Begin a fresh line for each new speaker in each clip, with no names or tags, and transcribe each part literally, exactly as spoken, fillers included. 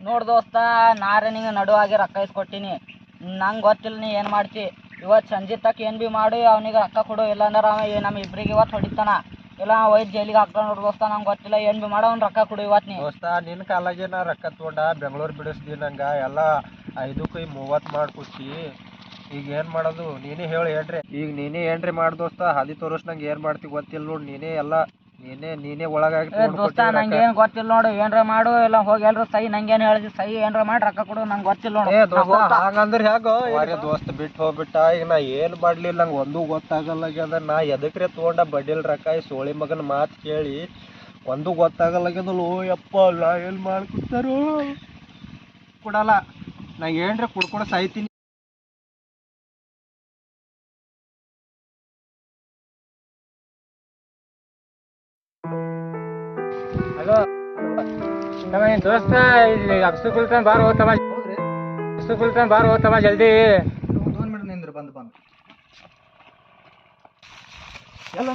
ನೋಡ್ ದೋಸ್ತ ನಾರೇ ನಿಂಗೆ ನಡುವಾಗಿ ರೊಕ್ಕ ಇಸ್ಕೊಟ್ಟಿನಿ, ನಂಗೆ ಗೊತ್ತಿಲ್ಲ ನೀ ಏನು ಮಾಡ್ತಿ. ಇವತ್ತು ಸಂಜೆ ತಕ್ಕ ಏನು ಭೀ ಮಾಡಿ ಅವನಿಗೆ ರೊಕ್ಕ ಕೊಡು, ಇಲ್ಲಾಂದ್ರೆ ಅವ ನಮ್ಮ ಇಬ್ರಿಗೆ ಇವತ್ತು ಹೊಡಿತಾನ, ಇಲ್ಲ ಒಯ್ದು ಜೈಲಿಗೆ ಹಾಕ್ತಾನ ನೋಡು ದೋಸ್ತ. ನಂಗೆ ಗೊತ್ತಿಲ್ಲ ಏನು ಭೀ ಮಾಡೋ, ಅವ್ನು ರೊಕ್ಕ ಕೊಡು ಇವತ್ತು ನೀ.
ದೋಸ್ತ ನಿನ್ನ ಕಾಲಾಗೆ ನಾ ರೊಕ್ಕ ತೊಗೊಂಡ ಬೆಂಗಳೂರು ಬಿಡಿಸ್ದಿ, ನಂಗೆ ಎಲ್ಲ ಐದಕ್ಕೆ ಮೂವತ್ತು ಮಾಡಿಕೊಟ್ಟಿ. ಈಗ ಏನು ಮಾಡೋದು ನೀನೇ ಹೇಳಿ ಏನ್ರಿ, ಈಗ ನೀನೇ ಏನ್ರಿ ಮಾಡಿ ದೋಸ್ತ. ಹಾದಿ ತೋರಿಸ್ ನಂಗೆ ಏನು ಮಾಡ್ತಿ ಗೊತ್ತಿಲ್ಲ ನೋಡಿ, ನೀನೇ ಎಲ್ಲ ನೀನೇ ನೀನೇ ಒಳಗಾಗಿ
ದೋಸ್ತ ನಂಗೆ ಏನು ಗೊತ್ತಿಲ್ಲ ನೋಡು, ಏನ್ರ ಮಾಡು ಇಲ್ಲ ಹೋಗಿ ಎಲ್ರು ಸೈ ನಂಗೇನು ಹೇಳಿದ್ವಿ, ಸೈ ಏನ್ರ ಮಾಡಿ ರೊಕ್ಕ ಕೊಡು, ನಂಗೆ ಗೊತ್ತಿಲ್ಲ ನೋಡು.
ಹಂಗಂದ್ರೆ ಹೇಗೋ ದೋಸ್ತ ಬಿಟ್ಟು ಹೋಗ್ಬಿಟ್ಟ. ಈಗ ನಾ ಏನು ಮಾಡ್ಲಿಲ್ಲ, ನಂಗೆ ಒಂದೂ ಗೊತ್ತಾಗಲ್ಲಾಗ್ಯದ. ನಾ ಎದಕ್ರೆ ತೊಗೊಂಡ ಬಡ್ಡಿಲ್ ರೊಕ್ಕ, ಈ ಸೋಳಿ ಮಗನ ಮಾತು ಕೇಳಿ ಒಂದು ಗೊತ್ತಾಗಲ್ಲಾಗ್ಯದಲ್ಲೋ ಯಪ್ಪ. ನಾ ಏನು ಮಾಡ್ಕೊಡ್ತಾರೋ ಕೊಡಲ್ಲ, ನಾ ಏನ್ರ ಕುಡ್ಕೊಂಡು ಸಾಯ್ತೀನಿ.
ಹಲೋ ತಮ್ಮ, ಏನು ದೋಸ್ತ ಇಲ್ಲಿ ಅಕ್ಸು ಕುಲ್ತಾನ ಬಾರ ಹೋಗ್ತಮ್ಮ, ಅಕ್ಸು ಕುಲ್ತಾನ ಬಾರ ಹೋಗ್ತಮ್ಮ ಜಲ್ದಿ.
ಒಂದು ಮಿನಿಟ್ ನಿಂದ್ರು, ಬಂದು ಬಂದು ಎಲ್ಲ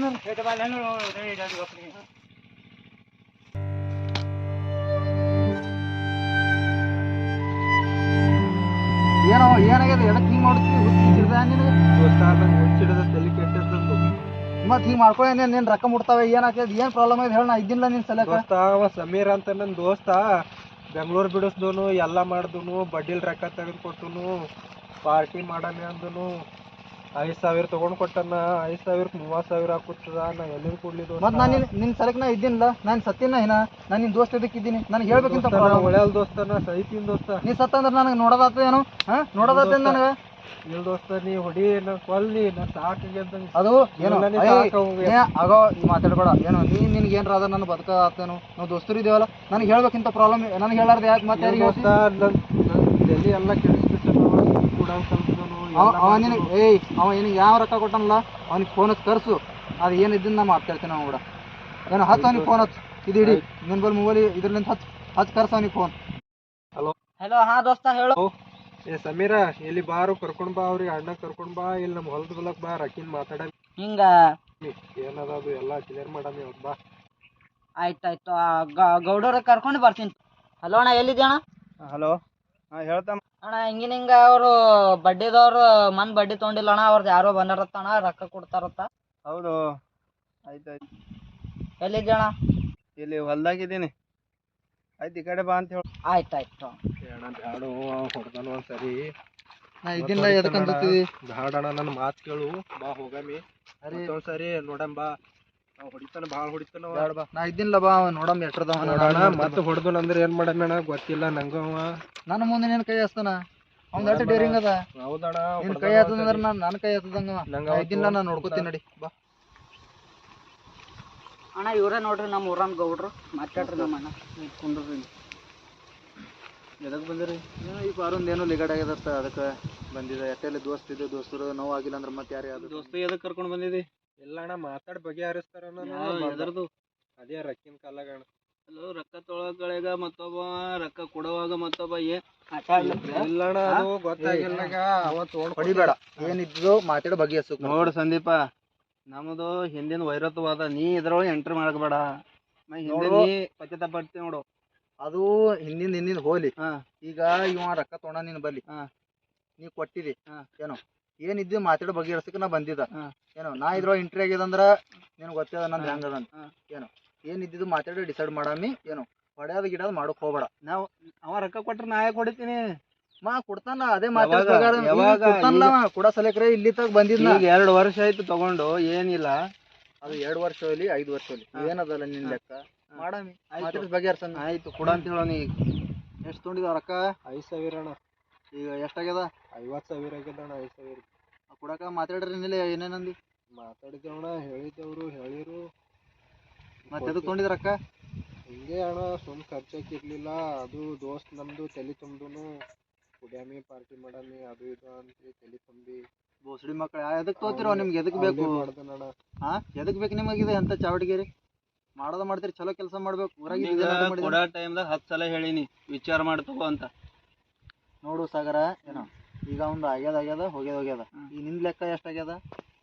ಏನೋ ಏನಾಗ್ಯದ, ಎಡಕ್ಕೆ ಹಿಂಗೆ ಮಾಡ್ತೀವಿ ಹುಚ್ಚಿಡ್ದ ನಿನಗೆ
ದೋಸ್ತ ನಂಗೆ ಹುಚ್ಚಿಡದ ತಲೆ ಕೆಟ್ಟದ್ದು.
ಮತ್ತೆ ಹಿಂಗೆ ಮಾಡ್ಕೊಳ್ಳಿ ನೀನು ರೊಕ್ಕ ಮುಟ್ತಾವೆ, ಏನಾಗ್ತದೆ ಏನು ಪ್ರಾಬ್ಲಮ್ ಆಗಿದೆ ಹೇಳಿ, ನಾ ಇದ್ದಿಲ್ಲ ನಿನ್ನ ಸಲಕ.
ದೋಸ್ತ ಅವ ಸಮೀರ್ ಅಂತ ನನ್ನ ದೋಸ್ತ, ಬೆಂಗಳೂರು ಬಿಡಿಸ್ದನು, ಎಲ್ಲ ಮಾಡ್ದನು, ಬಡ್ಡಿಲ್ ರೊಕ್ಕ ತೆಗೆದು ಕೊಟ್ಟನು, ಪಾರ್ಟಿ ಮಾಡಾನೆ ಅಂದನು. ಐದು ಸಾವಿರ ತೊಗೊಂಡು ಕೊಟ್ಟನ, ಐದು ಸಾವಿರಕ್ಕೆ ಮೂವತ್ತು ಸಾವಿರ ಹಾಕುತ್ತದ. ನಾ ಎಲ್ಲಿಂದ ಕೊಡ್ಲಿದ್ದು
ಮತ್ತೆ ನಾನು ನಿನ್ನ ನಿನ್ನ ಸಲಕ ನಾ ಇದ್ದೀನಿಲ್ಲ, ನಾನು ಸತ್ತಿನ ಏನ, ನಾನು ನಿನ್ನ ದೋಸ್ತ ಇದಕ್ಕಿದ್ದೀನಿ, ನನಗೆ ಹೇಳ್ಬೇಕಿಂತ
ಒಳ್ಳೆಯ ದೋಸ್ತ, ನಾ ಸಹಿತೀನಿ ದೋಸ್ತ.
ನೀ ಸತ್ತಂದ್ರೆ ನನಗೆ ನೋಡೋದಾತ ಏನೋ, ಹಾಂ ನೋಡೋದಾತ ನನಗೆ.
ಇಲ್ಲ ದೋಸ್ತ, ನೀ ಹೊಡಿ ನಾ ಕೊಲ್ಲಿ, ನಾ ಸಾಕಾಗ್ಯದ
ಅದು ಏನೋ ಆಗೋ ಮಾತಾಡ್ಬೇಡ. ಏನೋ ನೀ ನಿನ್ಗೆ ಏನ್ರ ಅದ ನನ್ನ ಬದುಕ ಆತೇನು, ನಾವು ದೋಸ್ತರು ಇದೇವಲ್ಲ, ನನಗೆ ಹೇಳ್ಬೇಕಿಂತ ಪ್ರಾಬ್ಲಮ್ ನನಗೆ ಹೇಳಾರ್ದು ಯಾಕೆ ಮತ್ತೆ ಯಾರಿಗೆ
ದೋಸ್ತ. ನನ್ನ ತಲೆ ಎಲ್ಲ ಕೆಡಿಸ್ಬಿಟ್ಟ ಕೂಡ ಕಲ್ತನು.
ಅವ ನಿನಗೆ ಏಯ್ ಅವ ನಿನಗೆ ಯಾವ ರೊಕ್ಕ ಕೊಟ್ಟನಲ್ಲ, ಅವ್ನಿಗೆ ಫೋನ್ ಹಚ್ಚಿ ಕರ್ಸು, ಅದು ಏನಿದ್ದೀನಿ ನಾ ಮಾತಾಡ್ತೀನಿ ಅವ್ನು ಕೂಡ. ಏನೋ ಹತ್ತು ಅವ್ನಿಗೆ ಫೋನ್ ಹಚ್ಚು, ಇದು ಇಡಿ ನಿನ್ನ ಬಲ್ ಮೊಬೈಲ್ ಇದ್ರಲ್ಲಿಂದ ಹಚ್ಚು ಹಚ್ಚಿ ಕರ್ಸು ಅವ್ನಿಗೆ ಫೋನ್.
ಹಲೋ
ಹಲೋ, ಹಾ ದೋಸ್ತ ಹೇಳು.
ಏ ಸಮೀರ, ಇಲ್ಲಿ ಬಾರು ಕರ್ಕೊಂಡ್ ಬಾ, ಅವ್ರಿಗೆ ಅಣ್ಣ ಕರ್ಕೊಂಡ್ ಬಾ, ಇಲ್ಲಿ ನಮ್ಮ ಹೊಲದ ಬಲಕ್ ಬಾ, ರಕಿನ್ ಮಾತಾಡ
ಹಿಂಗ
ಏನದ ಅದು ಎಲ್ಲ ಕ್ಲಿಯರ್ ಮಾಡಮಿ ಅವ್ರು ಬಾ.
ಆಯ್ತಾಯ್ತು, ಗೌಡರ ಕರ್ಕೊಂಡು ಬರ್ತೀನಿ. ಹಲೋ ಅಣ್ಣ, ಎಲ್ಲಿದ್ದೆ ಅಣ್ಣ?
ಹಲೋ, ಹಾಂ ಹೇಳ್ತಮ್ಮ
ಅಣ್ಣ. ಹಿಂಗಿನ ಹಿಂಗ ಅವರು ಬಡ್ಡಿದವ್ರು ಮನ್ ಬಡ್ಡಿ ತೊಗೊಂಡಿಲ್ಲ ಅಣ್ಣ, ಅವ್ರದ್ದು ಯಾರೋ ಬಂದಾರತ್ತ ಅಣ್ಣ, ರೊಕ್ಕ ಕೊಡ್ತಾರತ್ತ.
ಹೌದು, ಆಯ್ತಾಯ್ತು.
ಎಲ್ಲಿದ್ದೆ ಅಣ್ಣ?
ಇಲ್ಲಿ ಹೊಲ್ದಾಗಿದ್ದೀನಿ, ಆಯ್ತು ಈ ಕಡೆ ಬಾ ಅಂತ ಹೇಳಿ.
ಆಯ್ತಾಯ್ತು
ಅಣ್ಣ ಬ್ಯಾಡು, ಹೊಡ್ದಾನು ಒಂದ್ಸರಿ.
ನಾ ಇದ್ದಿಲ್ಲ ಎದಕ್ಕಂತೀವಿ,
ಬ್ಯಾಡಣ್ಣ ನನ್ನ ಮಾತು ಕೇಳು, ಬಾ ಹೋಗಾಮಿ. ಅರೆ ಒಂದ್ಸರಿ ನೋಡಮ್ ಬಾ, ಹೊಡಿತಾನ ಭಾಳ ಹೊಡಿತಾನ.
ಬ್ಯಾಡ ಬಾ, ನಾ ಇದ್ದಿಲ್ಲ ಬಾ, ನೋಡಮ್ ಎಷ್ಟದವ
ನೋಡೋಣ. ಮತ್ತೆ ಹೊಡೆದು ಅಂದ್ರೆ ಏನ್ ಮಾಡಣ್ಣ ಗೊತ್ತಿಲ್ಲ ನಂಗ. ಅವ
ನನ್ನ ಮುಂದೆ ನಿನ್ನ ಕೈ ಹಚ್ತಾನ, ಅವ್ನ ದಟ್ಟ ಡೇರಿಂಗ್ ಅದ.
ಹೌದಣ್ಣ,
ನಿನ್ ಕೈ ಹತ್ತದಂದ್ರ ನಾನು ನನ್ನ ಕೈ ಹತ್ತದಂಗ ನಂಗೆ ಇದ್ದಿಲ್ಲ, ನಾನು ನೋಡ್ಕೋತೀನಿ ನಡಿ ಬಾ.
ಅಣ್ಣ ಇವರೇ ನೋಡ್ರಿ ನಮ್ಮ ಊರನ್ ಗೌಡ್ರು, ಮಾತಾಡ್ರಿ ನಮ್ಮ ಅಣ್ಣ ಕುಂಡ್ರಿ.
ಎದಕ್ಕೆ ಬಂದಿರಿ? ಏನೋ ಈ ಪಾರೊಂದು ಏನೋ ಲಿಗಾಡ್ ಆಗ್ಯದತ್ತ, ಅದಕ್ಕೆ ಬಂದಿದೆ. ಎಟ್ಟೆಲ್ಲಿ ದೋಸ್ತ ಇದೆ, ದೋಸ್ತರು ನೋವು ಆಗಿಲ್ಲ ಅಂದ್ರೆ ಮತ್ತೆ ಯಾರು ಯಾವ್ದು
ದೋಸ್ತ ಎದಕ್ಕೆ ಕರ್ಕೊಂಡು ಬಂದಿದ್ದಿ?
ಇಲ್ಲ ಅಣ್ಣ, ಮಾತಾಡಿ ಬಗೆಹರಿಸ್ತಾರ.
ಎದರ್ದು?
ಅದೇ ರಕ್ಕಿನ ಕಾಲಾಗ ಅಣ್ಣ.
ಹಲೋ, ರೊಕ್ಕ ತೊಗೊಳಗ ಮತ್ತೊಬ್ಬ, ರೊಕ್ಕ ಕೊಡುವಾಗ ಮತ್ತೊಬ್ಬ. ಏನ್
ಇಲ್ಲ ಅಣ್ಣ, ಅದು ಗೊತ್ತಾಗಿಲ್ಲ. ಅವ ತೊಗೊಂಡ್
ಹೊಡಿಬೇಡ, ಏನಿದ್ದು ಮಾತಾಡಿ ಬಗೆಹರಿಸು.
ನೋಡು ಸಂದೀಪ, ನಮ್ಮದು ಹಿಂದಿನ ವೈರತ್ವವಾದ, ನೀ ಇದ್ರೊಳಗೆ ಎಂಟ್ರಿ ಮಾಡಬೇಡ. ನೀ ಪಚ್ಚತ ಪಡ್ತೀವಿ ನೋಡು,
ಅದು ಹಿಂದಿನ ಹಿಂದಿನ ಹೋಲಿ.
ಹಾ, ಈಗ
ಇವ ರೊಕ್ಕ ತೊಗೊಂಡ ನೀನ್ ಬಲ್ಲಿ,
ಹಾ,
ನೀ ಕೊಟ್ಟಿದಿ.
ಹಾ,
ಏನೋ ಏನಿದ್ದು ಮಾತಾಡಿ ಬಗೆಹರಿಸಕ್ಕೆ ನಾ ಬಂದಿದ್ದ.
ಹಾ,
ಏನೋ ನಾ ಇದ್ರೊಳಗೆ ಎಂಟ್ರಿ ಆಗ್ಯದಂದ್ರ ನಿನಗೆ ಗೊತ್ತದ ನಂದು ಹೆಂಗದ ಅಂತ. ಏನೋ ಏನಿದ್ದು ಮಾತಾಡಿ ಡಿಸೈಡ್ ಮಾಡಾಮಿ. ಏನೋ ಹೊಡ್ಯಾದ ಗಿಡದ ಮಾಡೋಕ್ ಹೋಗ್ಬೇಡ.
ನಾವು ಅವ ರೊಕ್ಕ ಕೊಟ್ರೆ ನಾ ಯಾಕೆ ಹೊಡಿತೀನಿ?
ಮಾ ಕೊಡ್ತಾನ, ಅದೇ ಮಾತಾಡ್ತಾನಲ್ಲ ಕೊಡ ಸಲಕ್ರೆ ಇಲ್ಲಿ ತಗ ಬಂದಿದ್ನ.
ಈಗ ಎರಡು ವರ್ಷ ಆಯ್ತು ತಗೊಂಡು, ಏನಿಲ್ಲ.
ಅದು ಎರಡು ವರ್ಷ ಹೋಗ್ಲಿ ಐದು ವರ್ಷ ಹೋಗ್ಲಿ ಏನದಲ್ಲ ನಿನ್ ಲೆಕ್ಕ ಮಾಡಾಮಿ, ಮಾತಾಡಿ ಬಗೆಹರ್ಸನ್.
ಆಯ್ತು ಕೊಡ ಅಂತ ಹೇಳೋ. ನೀ
ಎಷ್ಟು ತೊಗೊಂಡಿದ ರೊಕ್ಕ?
ಐದು ಸಾವಿರ ಅಣ್ಣ.
ಈಗ ಎಷ್ಟಾಗ್ಯದ?
ಐವತ್ತು ಸಾವಿರ ಆಗ್ಯದ ಅಣ್ಣ. ಐದು ಸಾವಿರ
ಕೊಡಕ ಮಾತಾಡ್ರಿ ನಿಲ್ಲ, ಏನೇನಂದಿ?
ಮಾತಾಡಿದೇವಣ್ಣ, ಹೇಳಿದವರು ಹೇಳಿರು.
ಮತ್ತೆ ಎದಕ್ಕೆ ತೊಗೊಂಡಿದ ರೊಕ್ಕ?
ಹಿಂಗೆ ಅಣ್ಣ, ಸುಮ್ ಖರ್ಚಾಕಿರ್ಲಿಲ್ಲ. ಅದು ದೋಸ್ತ್ ನಮ್ದು ತಲೆ ತುಂಬುನು, ಕುಡಿಯಾಮಿ ಪಾರ್ಟಿ ಮಾಡಾಮಿ ಅದು ಇದು ಅಂತ ತಲೆ ತುಂಬಿ.
ಬೋಸಡಿ ಮಕ್ಕಳು ಎದಕ್ಕೆ ತೋತಿರೋ? ನಿಮ್ಗೆ ಎದಕ್ಕೆ ಬೇಕು?
ಮಾಡ್ದಣ್ಣ.
ಹಾ, ಎದಕ್ಕೆ ಬೇಕು ನಿಮಗಿದೆ ಎಂತ ಚಾವಟಿಗೇರಿ? ಮಾಡೋದ ಮಾಡ್ತೀರಿ, ಚಲೋ ಕೆಲಸ ಮಾಡ್ಬೇಕು. ಊರಾಗ
ಕೊಡೋ ಟೈಮ್ದಾಗ ಹತ್ತು ಸಲ ಹೇಳಿನಿ, ವಿಚಾರ ಮಾಡಿ ತಗೋ ಅಂತ.
ನೋಡು ಸಾಗರ, ಏನೋ ಈಗ ಒಂದು ಆಗ್ಯದ ಆಗ್ಯದ ಹೋಗ್ಯದ ಹೋಗ್ಯದ. ಈಗ ನಿನ್ ಲೆಕ್ಕ ಎಷ್ಟಾಗ್ಯದ?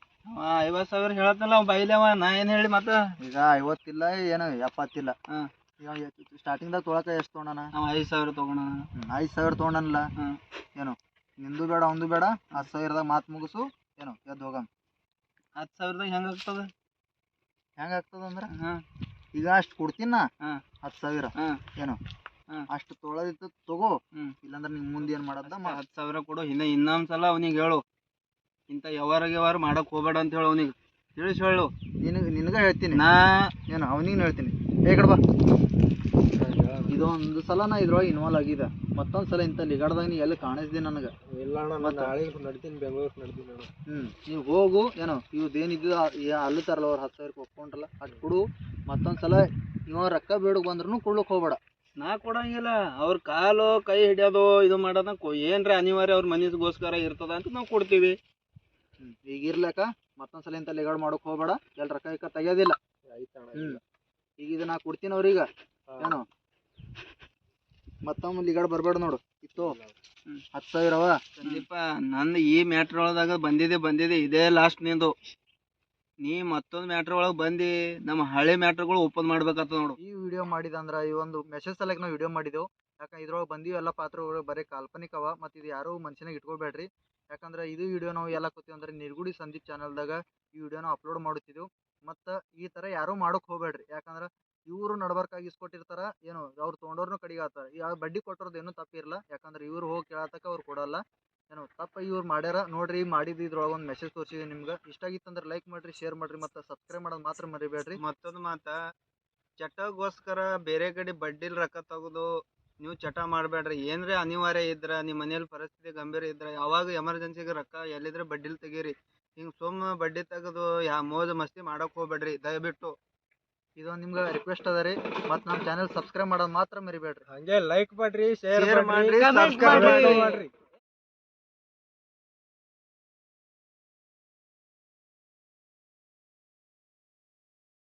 ಐವತ್ತು ಸಾವಿರ ಹೇಳತ್ತಲ್ಲ ಅವ್ ಬೈಲಿ ಅವ, ನಾ ಏನು ಹೇಳಿ ಮತ್ತೆ?
ಈಗ ಐವತ್ತಿಲ್ಲ, ಏನು ಎಪ್ಪತ್ತಿಲ್ಲ. ಸ್ಟಾರ್ಟಿಂಗ್ದಾಗ ತೊಳಕ ಎಷ್ಟು ತೊಗೊಂಡಾನ?
ನಾವು ಐದು ಸಾವಿರ ತೊಗೋಣ.
ಐದು ಸಾವಿರ ತೊಗೊಂಡನಲ್ಲ,
ಹ್ಮ್.
ಏನು ನಿಂದು ಬೇಡ ಅವಂದು ಬೇಡ, ಹತ್ತು ಸಾವಿರದಾಗ ಮಾತು ಮುಗಿಸು, ಏನು ಎದ್ದು ಹೋಗಮ್.
ಹತ್ತು ಸಾವಿರದಾಗ ಹೆಂಗೆ ಆಗ್ತದೆ?
ಹೆಂಗೆ ಆಗ್ತದ ಅಂದ್ರೆ
ಹಾಂ
ಈಗ ಅಷ್ಟು ಕೊಡ್ತೀನಿ ನಾ,
ಹಾಂ
ಹತ್ತು ಸಾವಿರ
ಹಾಂ
ಏನು
ಹಾಂ
ಅಷ್ಟು ತೊಗೊಳದಿತ್ತು ತಗೋ,
ಹ್ಞೂ
ಇಲ್ಲಾಂದ್ರೆ ನಿಂಗೆ ಮುಂದೆ ಏನು ಮಾಡೋದ ಮಾಡ.
ಹತ್ತು ಸಾವಿರ ಕೊಡು. ಇನ್ನು ಇನ್ನೊಂದು ಸಲ ಅವ್ನಿಗೆ ಹೇಳು, ಇಂಥ ವ್ಯವಹಾರ ವ್ಯವಹಾರ ಮಾಡಕ್ಕೆ ಹೋಗಬೇಡ ಅಂತ ಹೇಳು ಅವ್ನಿಗೆ, ತಿಳಿಸಿ ಹೇಳು.
ನಿನಗೆ ನಿನಗೆ ಹೇಳ್ತೀನಿ
ನಾ
ಏನು ಅವನಿಗೆ ಹೇಳ್ತೀನಿ. ಏ ಕಡೆ ಬಾ, ಇದೊಂದು ಸಲ ನಾ ಇದ್ರೊಳಗೆ ಇನ್ವಾಲ್ವ್ ಆಗಿದೆ, ಮತ್ತೊಂದು ಸಲ ಇಂಥ ಲಿಗಾಡ್ದಾಗ ನೀ ಎಲ್ಲಿ ಕಾಣಿಸ್ದಿ ನನಗೆ.
ಇಲ್ಲ ಅಣ್ಣ, ನಾನು ನಾಳೆಗೆ ನಡ್ತೀನಿ, ಬೆಂಗಳೂರಿಗೆ ನಡ್ತೀನಿ ಅಣ್ಣ.
ಹ್ಞೂ ನೀವು ಹೋಗು, ಏನೋ ಇವ್ದೇನಿದ್ದು ಅಲ್ಲತಾರಲ್ಲ ಅವ್ರು ಹತ್ತು ಸಾವಿರಕ್ಕೆ ಒಪ್ಕೊಂಡ್ರಲ್ಲ ಅಷ್ಟು ಕೊಡು. ಮತ್ತೊಂದು ಸಲ ಇವ ರೊಕ್ಕ ಬೇಡಕ್ಕೆ ಬಂದ್ರೂ ಕೊಡ್ಲಿಕ್ಕೆ ಹೋಗ್ಬೇಡ.
ನಾ ಕೊಡಂಗಿಲ್ಲ. ಅವ್ರ ಕಾಲು ಕೈ ಹಿಡಿಯೋದು ಇದು ಮಾಡೋದ ಏನ್ರ ಅನಿವಾರ್ಯ ಅವ್ರ ಮನಸ್ಸಿಗೋಸ್ಕರ ಇರ್ತದ ಅಂತ ನಾವು ಕೊಡ್ತೀವಿ.
ಹ್ಞೂ ಈಗ ಇರ್ಲಕ್ಕ ಮತ್ತೊಂದು ಸಲ ಇಂಥ ಲಿಗಾಡ್ ಮಾಡೋಕೆ ಹೋಗ್ಬೇಡ, ಎಲ್ಲಿ ರೊಕ್ಕ ಗಿಕ್ಕ ತೆಗಿಯೋದಿಲ್ಲ.
ಆಯ್ತಣ್ಣ.
ಹ್ಞೂ ಈಗ ಇದು ನಾ ಕೊಡ್ತೀನಿ ಅವ್ರೀಗ, ಏನೋ ಮತ್ತೊಮ್ಮೆ ಲಿಗಾಡ್ ಬರಬೇಡ ನೋಡು. ಇತ್ತು ಹತ್ತು ಸಾವಿರವ
ಸಂದೀಪ, ನಂದು ಈ ಮ್ಯಾಟ್ರ್ ಒಳದಾಗ ಬಂದಿದೆ ಬಂದಿದೆ ಇದೇ ಲಾಸ್ಟ್ ನಿಂದು. ನೀ ಮತ್ತೊಂದು ಮ್ಯಾಟ್ರ್ ಒಳಗೆ ಬಂದು ನಮ್ಮ ಹಳೆ ಮ್ಯಾಟ್ರ್ಗಳು ಓಪನ್ ಮಾಡ್ಬೇಕಾಗ್ತದ ನೋಡು.
ಈ ವಿಡಿಯೋ ಮಾಡಿದಂದ್ರೆ ಈ ಒಂದು ಮೆಸೇಜ್ ಸಲಕ್ಕೆ ನಾವು ವಿಡಿಯೋ ಮಾಡಿದೆವು. ಯಾಕಂದ್ರೆ ಇದ್ರೊಳಗೆ ಬಂದೀವಿ ಎಲ್ಲ ಪಾತ್ರಗಳು ಬರೀ ಕಾಲ್ಪನಿಕವ, ಮತ್ತು ಇದು ಯಾರೂ ಮನುಷ್ಯನಾಗ ಇಟ್ಕೋಬೇಡ್ರಿ. ಯಾಕಂದ್ರೆ ಇದು ವಿಡಿಯೋ ನಾವು ಎಲ್ಲ ಕೂತೀವಿ ಅಂದ್ರೆ ನಿರ್ಗುಡಿ ಸಂದೀಪ್ ಚಾನಲ್ದಾಗ ಈ ವಿಡಿಯೋನ ಅಪ್ಲೋಡ್ ಮಾಡುತ್ತಿದ್ದೆವು. ಮತ್ತು ಈ ಥರ ಯಾರೂ ಮಾಡೋಕೆ ಹೋಗ್ಬೇಡ್ರಿ. ಯಾಕಂದ್ರೆ ಇವರು ನಡ್ಬರ್ಕಾಗಿ ಇಸ್ಕೊಟ್ಟಿರ್ತಾರ, ಏನು ಅವ್ರು ತೊಗೊಂಡವ್ರನ್ನೂ ಕಡಿಗೆ ಆಗ್ತಾರೆ. ಯಾವ ಬಡ್ಡಿ ಕೊಟ್ಟರದ್ದು ಏನೂ ತಪ್ಪಿರಲ್ಲ, ಯಾಕಂದ್ರೆ ಇವ್ರು ಹೋಗಿ ಕೇಳತಕ್ಕ ಅವ್ರು ಕೊಡಲ್ಲ. ಏನು ತಪ್ಪ ಇವ್ರು ಮಾಡ್ಯಾರ ನೋಡ್ರಿ. ಮಾಡಿದ್ದು ಇದ್ರೊಳಗೆ ಒಂದು ಮೆಸೇಜ್ ತೋರಿಸಿದೆ ನಿಮ್ಗೆ. ಇಷ್ಟ ಆಗಿತ್ತಂದ್ರೆ ಲೈಕ್ ಮಾಡಿರಿ, ಶೇರ್ ಮಾಡಿರಿ, ಮತ್ತು ಸಬ್ಸ್ಕ್ರೈಬ್ ಮಾಡೋದು ಮಾತ್ರ ಮರಿಬೇಡ್ರಿ.
ಮತ್ತೊಂದು ಮಾತ, ಚಟಗೋಸ್ಕರ ಬೇರೆ ಕಡೆ ಬಡ್ಡಿಲ್ ರೊಕ್ಕ ತಗೋದು ನೀವು ಚಟ ಮಾಡಬೇಡ್ರಿ. ಏನ್ರಿ ಅನಿವಾರ್ಯ ಇದ್ರೆ, ನಿಮ್ಮ ಮನೇಲಿ ಪರಿಸ್ಥಿತಿ ಗಂಭೀರ ಇದ್ರೆ, ಯಾವಾಗ ಎಮರ್ಜೆನ್ಸಿಗೆ ರೊಕ್ಕ ಎಲ್ಲಿದ್ರೆ ಬಡ್ಡಿಲ್ ತೆಗೀರಿ. ಹಿಂಗೆ ಸುಮ್ಮ ಬಡ್ಡಿ ತೆಗೆದು ಯಾ ಮೋಜು ಮಸ್ತಿ ಮಾಡೋಕೆ ಹೋಗ್ಬೇಡ್ರಿ ದಯವಿಟ್ಟು.
ಇದೊಂದು ನಿಮ್ಗೆ ರಿಕ್ವೆಸ್ಟ್ ಅದ ರೀ. ಮತ್ತು ನಮ್ಮ ಚಾನಲ್ ಸಬ್ಸ್ಕ್ರೈಬ್ ಮಾಡೋದು ಮಾತ್ರ ಮರಿಬೇಡ್ರಿ.
ಹಂಗೆ ಲೈಕ್ ಮಾಡ್ರಿ, ಶೇರ್
Share
ಮಾಡ್ರಿ,
ಮಾಡ್ರಿ,
subscribe
comment ಮಾಡ್ರಿ.
ಮಾಡ್ರಿ.